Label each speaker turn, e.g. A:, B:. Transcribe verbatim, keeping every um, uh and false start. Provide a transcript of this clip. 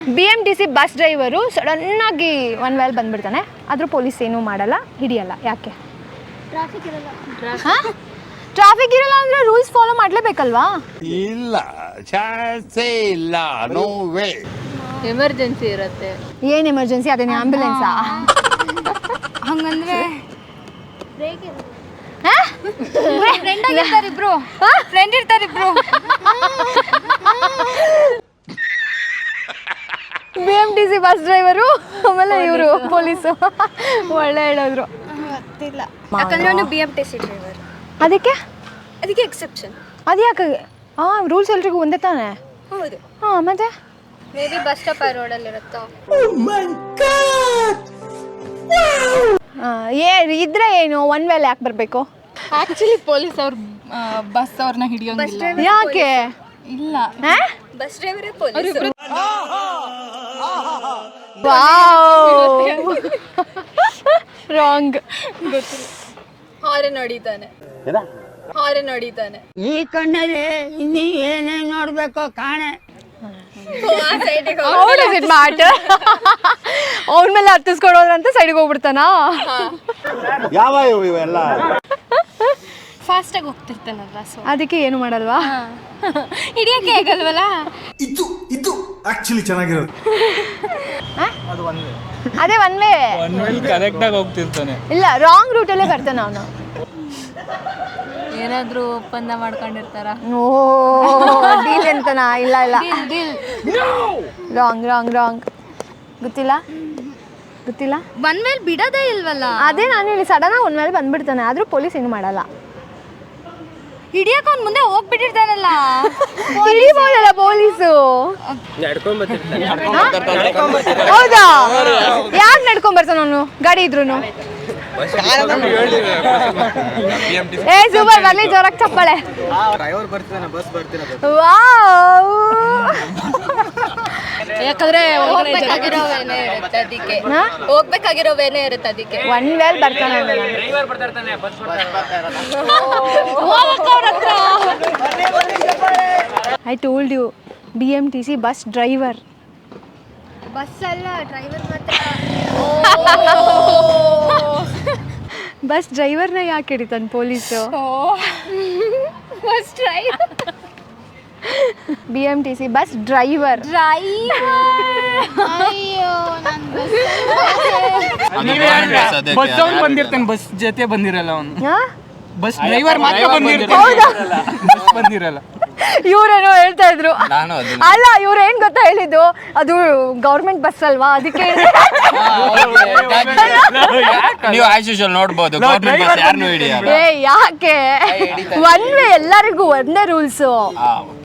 A: B M T C bus driver ಸಡನ್ನಾಗಿ one ವೇಲ್ ಬಂದ್ಬಿಡ್ತಾನೆ, ಆದರೂ ಪೊಲೀಸ್ ಏನೂ ಮಾಡಲ್ಲ, ಹಿಡಿಯಲ್ಲ. ಯಾಕೆ?
B: ಟ್ರಾಫಿಕ್ ಇರಲ್ಲ.
A: ಟ್ರಾಫಿಕ್ ಇರಲ್ಲ ಅಂದರೆ ರೂಲ್ಸ್ ಫಾಲೋ ಮಾಡಲೇಬೇಕಲ್ವಾ?
C: ಇಲ್ಲ, ಚಾನ್ಸೇ ಇಲ್ಲ, ನೋ ವೇ.
B: ಎಮರ್ಜೆನ್ಸಿ ಇರುತ್ತೆ.
A: ಏನು ಎಮರ್ಜೆನ್ಸಿ? ಅದೇನು ಆಂಬ್ಯುಲೆನ್ಸಾ?
B: ಹಂಗಂದ್ರೆ
A: ಫ್ರೆಂಡ್ ಆಗಿರ್ತಾರೆ ಇಬ್ರು,
B: ಫ್ರೆಂಡ್ ಇರ್ತಾರೆ ಇಬ್ರು.
A: B M T C bus driver ಆಮೇಲೆ ಇವರು ಪೊಲೀಸು. ಒಳ್ಳೆ ಹೇಳಿದ್ರು.
B: ಗೊತ್ತಿಲ್ಲ, ಯಾಕಂದ್ರೆ ಅವನು B M T C driver.
A: ಅದಕ್ಕೆ
B: ಅದಕ್ಕೆ ಎಕ್ಸೆಪ್ಷನ್.
A: ಅದು ಯಾಕೆ? ಹಾಂ, ರೂಲ್ಸ್ ಎಲ್ರಿಗೂ ಒಂದೇ ತಾನೆ.
B: ಹೌದು.
A: ಹಾಂ, ಮತ್ತೆ
B: ಮೇ ಬಿ ಬಸ್ ಸ್ಟಾಪ್ ಆ ರೋಡಲ್ಲಿ ಇರುತ್ತೋ.
A: ಏ ಇದ್ರೆ ಏನು ಒನ್ ವೇಲ್ ಯಾಕೆ ಬರಬೇಕು?
D: ಆಕ್ಚುಲಿ ಪೊಲೀಸ್ ಅವ್ರು ಬಸ್ ಅವ್ರನ್ನ ಹಿಡಿಯೋಂಗಿಲ್ಲ.
A: ಯಾಕೆ?
D: ಇಲ್ಲ,
B: ಬಸ್ ಡ್ರೈವರೇ ಪೊಲೀಸ್.
A: ರಾಂಗ್.
D: ಗೊತ್ತಿಲ್ಲ.
B: ಹಾರನ್ ಹೊಡಿತಾನೆ, ಹಾರನ್ ಹೊಡಿತಾನೆ.
E: ಈ ಕಣ್ಣಲ್ಲಿ ಇನ್ನೀ ಏನೇನ್ ನೋಡ್ಬೇಕೋ ಕಾಣೆ.
A: ಅವನ ಮೇಲೆ ಹತ್ತಿಸ್ಕೊಡೋದ್ರಂತ ಸೈಡ್ಗೆ ಹೋಗ್ಬಿಡ್ತಾನ.
C: ಯಾವ ಇವೆಲ್ಲ
D: ಫಾಸ್ಟ್ ಆಗಿ ಹೋಗ್ತಿರ್ತಾನಲ್ಲ, ಸೊ
A: ಅದಕ್ಕೆ ಏನು ಮಾಡಲ್ವಾ?
D: ಹಿಡಿಯಕ್ಕೆ ಆಗಲ್ವಲ್ಲ.
F: ಇದು ಇದು ಆಕ್ಚುಲಿ ಚೆನ್ನಾಗಿರೋದು.
A: ಅದೇ ಒನ್ ವೇ.
G: ಕರೆಕ್ಟ್ ಆಗಿ ಹೋಗ್ತಿರ್ತಾನೆ.
A: ಇಲ್ಲ, ರಾಂಗ್ ರೂಟಲ್ಲೇ ಬರ್ತಾನೆ ಅವನು.
B: ಏನಾದ್ರೂ ಒಪ್ಪಂದ ಮಾಡ್ಕೊಂಡಿರ್ತಾರ.
A: ಓ, ಡೀಲ್ ಅಂತನಾ? ಇಲ್ಲ ಇಲ್ಲ, ರಾಂಗ್ ರಾಂಗ್ ರಾಂಗ್. ಗೊತ್ತಿಲ್ಲ ಗೊತ್ತಿಲ್ಲ.
B: ಒನ್ ಮೇಲೆ ಬಿಡೋದೇ ಇಲ್ವಲ್ಲ.
A: ಅದೇ ನಾನು ಹೇಳಿ, ಸಡನ್ ಆಗಿ ಒನ್ ಮೇಲೆ ಬಂದ್ಬಿಡ್ತಾನೆ, ಆದ್ರೂ ಪೊಲೀಸ್ ಏನು ಮಾಡಲ್ಲ.
B: ಹಿಡಿಯಕ್ಕೆ ಅವ್ನು ಮುಂದೆ ಹೋಗ್ಬಿಟ್ಟಿರ್ತಾನಲ್ಲ.
A: ಹಿಡಿಬೋದಲ್ಲ ಪೊಲೀಸು. ಹೌದಾ? ಯಾಕೆ ನಡ್ಕೊಂಡ್ ಬರ್ತಾನ ಅವನು ಗಾಡಿ ಇದ್ರು? ಏ ಸೂಪರ್, ಬರ್ಲಿ ಜೋರಾಗಿ ಚಪ್ಪಾಳೆ. ವಾವ್.
D: ಯಾಕಂದ್ರೆ
B: ಹೋಗ್ಬೇಕಾಗಿರೋ ವೇನೆ ಇರುತ್ತೆ ಅದಕ್ಕೆ. ಹೋಗ್ಬೇಕಾಗಿರೋ ವೇನೆ ಇರುತ್ತೆ ಅದಕ್ಕೆ.
A: ಒನ್ ವೇಲ್ ಬರ್ತಾನೆ. I told you, B M T C bus driver.
B: Bus ಅಲ್ಲ, ಡ್ರೈವರ್ ಮಾತ್ರ.
A: ಬಸ್ ಡ್ರೈವರ್ನ ಯಾಕೆ ಹಿಡಿತಾನೆ police?
B: Bus driver.
A: B M T C bus driver.
B: ಅಯ್ಯೋ, ನನ್ನ
G: ಬಸ್ ಅವ್ನು ಬಂದಿರ್ತಾನೆ, ಬಸ್ ಜೊತೆ ಬಂದಿರಲ್ಲ ಅವನು. ಬಸ್ ಡ್ರೈವರ್ ಮಾತ್ರ
A: ಹೌದಾ?
G: ಬಸ್ ಬಂದಿರಲ್ಲ.
A: ಇವ್ರೇನೋ ಹೇಳ್ತಾ ಇದ್ರು. ಅಲ್ಲ, ಇವ್ರು ಏನ್ ಗೊತ್ತಾ ಹೇಳಿದ್ದು, ಅದು ಗೌರ್ಮೆಂಟ್ ಬಸ್ ಅಲ್ವಾ, ಅದಕ್ಕೆ
H: ನೀವು ಆಸ್ ಯೂಶುವಲ್ ನೋಡ್ಬೋದು ಗವರ್ನಮೆಂಟ್ ಬಸ್ ಯಾರನ್ನೂ ಹಿಡಿಯಲ್ಲ.
A: ಏ ಯಾಕೆ? ಒನ್ ವೇ, ಎಲ್ಲರಿಗೂ ಒಂದೇ ರೂಲ್ಸು.